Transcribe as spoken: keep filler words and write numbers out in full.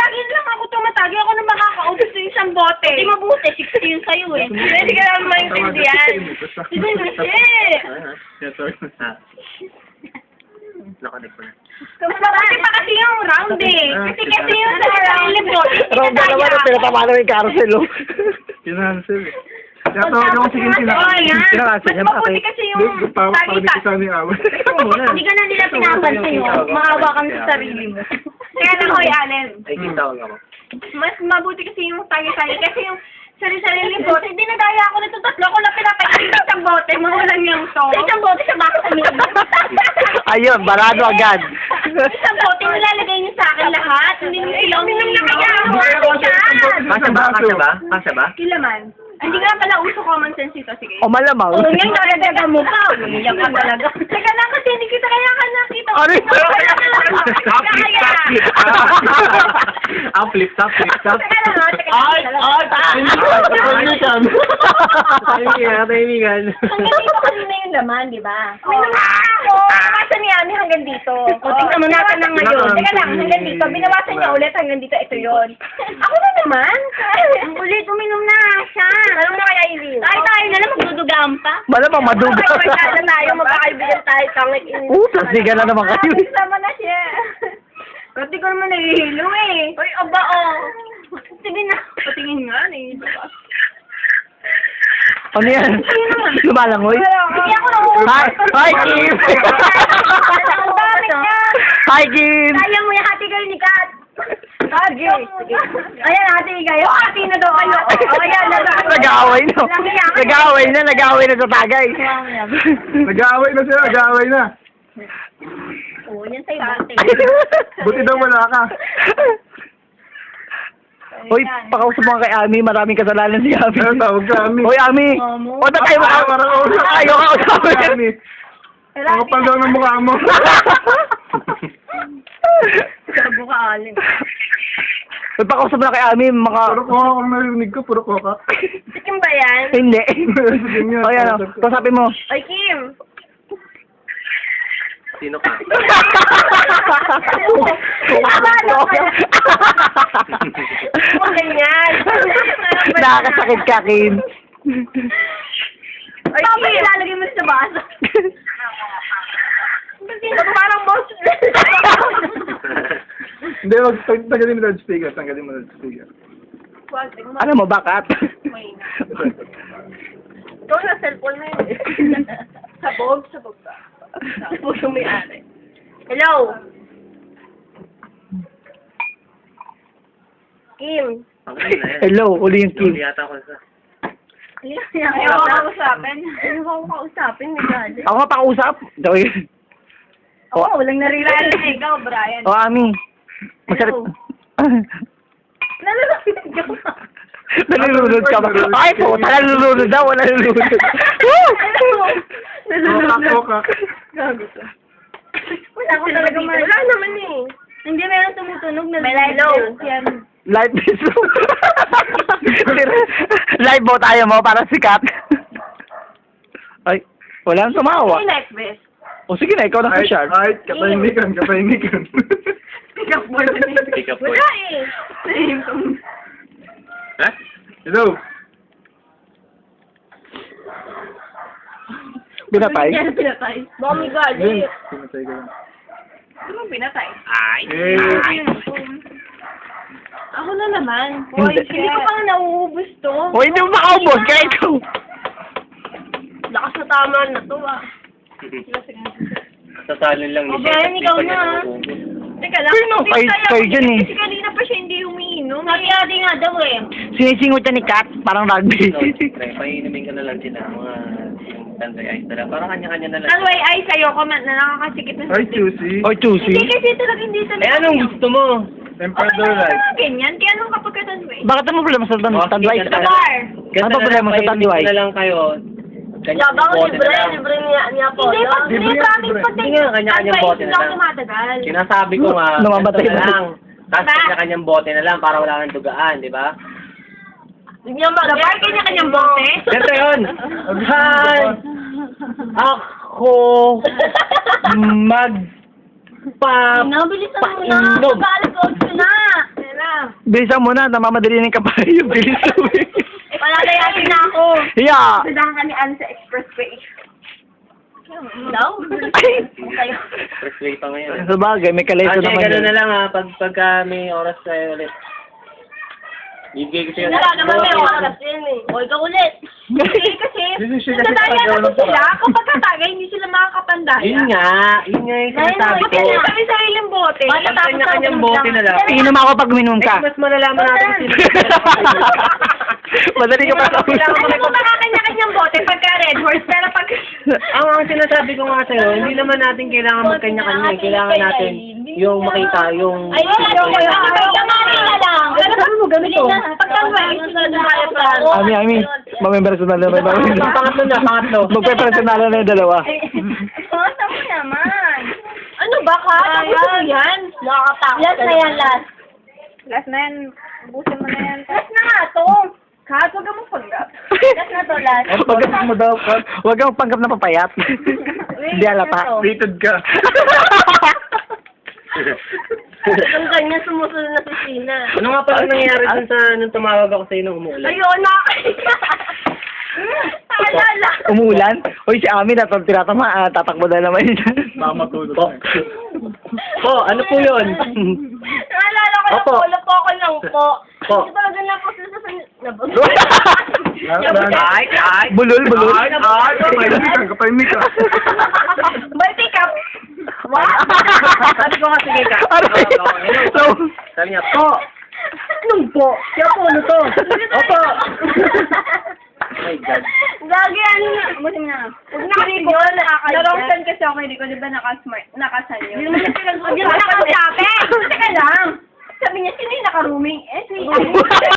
lagi lang ako tumatagi. Ako na makakaubos sa isang bote. Hindi mabuti, sixty yun sa'yo eh. Hindi ka naman maintindihan. Hindi kasi. Nakanik ko na. Kasi pa kasi yung round eh. Kasi kasi yung sa sarili bote. Round na naman, pinatama na yung carousel, oh. Kinansel eh. Kaya tawag ako sige sila. Oo, yan. Kinakasin Mas niya, mabuti bakit? kasi yung Hindi, parang parang di salita. ko sana yung awal. Hindi ka na nila pinapansin yun. Maawa kami sa sarili mo. Kaya na Hoy Allen. Ay, kitawag ako. Mas mabuti kasi yung tagi-tagi. Kasi yung sarili-sarili bote. Hindi nagaya ako nito tatlo. Ako lang pinapaitin sa isang bote. Mawalan yung to. Sa isang bote sa baka uminom. Ayun, barado agad. Isang bote nilalagay niyo sa akin lahat. Hindi niyo sila uminom na kaya. Kasya ba? Kasya ba? Kasya ba? Kilaman. Hindi nga pala uso common sense ito. Sige. O malamang. Oo, ngayon nakadaga mo pa. Umiyak ka talaga. Teka lang kasi hindi kita kaya ka nakita. Ano yun? Kaya. Ah, flip top, flip top. Teka lang ha. Teka lang. Ay, ay, Tahimikan. Tahimikan, tahimikan. Hanggang dito kanina yung laman, di ba? May naman ako. Binawasan ni Ami hanggang dito. O, tingnan mo natin ng ngayon. Teka lang, hanggang dito. Binawasan niya ulit hanggang dito. Ito yun. Ako na naman. Ang ulit, uminom na siya. Alam na kaya Irene? Tayo tayo na lang, magdudugaan pa. malamang maduga. Magkakaibigan na tayo. Magkakaibigan tayo. Tangit in. Oo, plastikan na naman kayo. Sama na siya. Pati ko naman nahihilo eh. Uy, aba oh. Sige na. Patingin nga eh. Ano yan? Lumalangoy? Hindi ako nahihilo. Hi, hi, Kim! Ang dami niya. Hi, Kim! Kaya mo yung hati kayo ni Kat. Hagi. Ayan, hati kayo. Hati na daw kayo. O, ayan. Nag-aaway na. Nag-aaway na, nag-aaway na sa tagay. Nag-aaway na sila, nag-aaway na. Oo, yan sa'yo bote. Buti daw wala ka. Hoy, pakausap mo ka kay Ami, maraming kasalanan si Ami. Ano tawag ka, Ami? Hoy, Ami! O, ba't tayo maka... Parang kausap. Ayaw ka usapin. Ami. Ang kapal daw ng mukha mo. Sabi ka, Alin. Hoy, pakausap mo na kay Ami, maka... Puro koka kung narinig ko, puro koka. Si Kim ba yan? Hindi. Sige nga. O, yan o. Kausapin mo. Ay, Kim. Sino ka? Huwag ganyan. Nakakasakit ka, Kim. Ay, Kim. Ilalagay mo sa baso. Parang boss. Hindi, wag tag- tanggalin mo na speaker, tanggalin mo na speaker. Alam mo, bakat? Ikaw na cellphone na yun. Sabog, sabog ba? Sabog yung may-ari. Hello? Kim? Hello, uli yung Kim. yata ko sa... Ayaw ko kausapin. Ayaw ko kausapin, may gali. Ako nga pakausap. Daway. Oo, walang narirala. Ikaw, Brian. O, Ami. Masarap. Nalulunod ka ba? Nalulunod ka ba? Ay po, nalulunod daw, wala nalulunod. Koka, koka. Gago ka. Wala ko talaga man. Wala naman eh. Hindi, meron tumutunog na May light yan. Live piso. Live mo tayo mo para sikat. Ay, wala nang tumawa. May light vest. O sige na, ikaw na Ay, sa shark. ay, katahimikan, katahimikan. Pick up boy. Pick up boy. Wala eh. Ha? Hello? Binatay. Yan, pinatay. Baka may gali. Vince, pinatay ka lang. Ano mo pinatay? Hey! Ako na naman. Hindi. Hindi ko pa nauubos to. O, hindi mo makaubos, kaya ikaw. Lakas na tama na to ah. Sasalin lang O, Brian, ikaw na. Teka lang. Pero no, hindi kayo- kaya kayo ako dyan eh. Kasi kanina pa siya hindi umiinom. Hati-hati nga daw eh. Sinisingot niya ni Kat, parang rugby. Pre, painumin ka na lang sila, mga tanday ice na lang. Parang kanya-kanya na lang. Ang way ay sa'yo, comment na nakakasikip na Ay, juicy. O, choosy. Hindi kasi talaga hindi talaga. Eh, anong gusto mo? Emperador Okay, Light. mga ganyan. Kaya nung kapag ka tanway. Bakit ang problema sa tan- tanduay? Sa Sa bar. Ano ba problema sa tanduay? na lang kayo. Kanya Labang bote libre, na lang. libre niya, niya po. Hindi, pag Libre hindi yan, promise libre. pag Hindi nga, kanya-kanyang bote na lang. tumatagal. Sinasabi ko nga, Namamatay ganito na na. lang. Tapos Ba? kanya-kanyang bote na lang para wala kang dugaan, di ba? Hindi niya mag- Sa bar, kanya-kanyang bote. Ganito yun. Hi! Ako mag pa Nabilisan mo na. Painom. Tagalog ko na. Yan na. Bilisan mo na, namamadali na yung kabayo. Bilis mo eh. Palalayasin na ako. Yeah. Sadang ka ni Anne sa expressway. No? Ay. Expressway pa ngayon. Sa bagay, may kaleso Ah, sige, naman gano'n yun. na lang ha. Pag, pagka may oras kayo ulit. Bibigay ko sa'yo. Wala naman may oras yun eh. O, ikaw ulit. Hindi kasi, Hindi siya kasi nadaya paggawa na ng sila. paraan. Kapag katagay, hindi sila makakapandaya. Yun nga. Yun nga yung sinasabi ko. Kasi sa sariling bote. Bata tapos Kanya-kanyang ako bote na lang. Inom ako pag minum ka. Next, mas malalaman natin kung sino. Madali ka pa sa Alam mo, makakanya-kanyang bote pagka red horse, pero pag... Ang, ang sinasabi ko nga sa'yo, hindi naman natin kailangan magkanya-kanya. eh. Kailangan natin yung makita, yung... Ay, ano ko yun? Pagkamari na lang. Alam mo, ganito. Pagka may sunod na kaya pa. Ami, Ami, mamempersonal na ba? Pangatlo na, pangatlo. Magpe-personal na yung dalawa. Basta mo naman. Ano ba ka? Tapos mo yan. Nakakatakot. Last na yan, last. Last na yan. Ubusin mo na yan. Last na nga to. Kat, huwag ka magpanggap. Last na to, last. Pagkat mo daw, Kat. Huwag kang panggap na papayat. Hindi halata. Rated ka. Ang kanya sumusunod na si Sina. Ano nga pala nangyayari dun sa nung tumawag ako sa'yo nung umuulan? Ayun, nakakita. Naalala. Umuulan? Uy, si Ami, natang tinatama, ah, tatakbo na naman yun. Baka matulog. Po. Po, ano po yun? Naalala ko na Opo. po, po ako lang po. Po. Di ba ganun po sa sa... Ay, ay. Bulol, bulol. Ay, ay, kapahimik ka, kapahimik ka. Balti ka. Sabi ko nga, sige ka. Aray. So, Sabi niya, po. Anong po? Kaya po, ano to? Opo. Oh my God. Gagi, ano na? Buti mo na. Huwag na kasi ko, narongsan kasi ako, hindi ko, di ba nakasmart, nakasan yun? Hindi mo na pinag-usapin. Hindi mo na pinag-usapin. Teka lang. Sabi niya, sino yung naka-rooming? Eh, si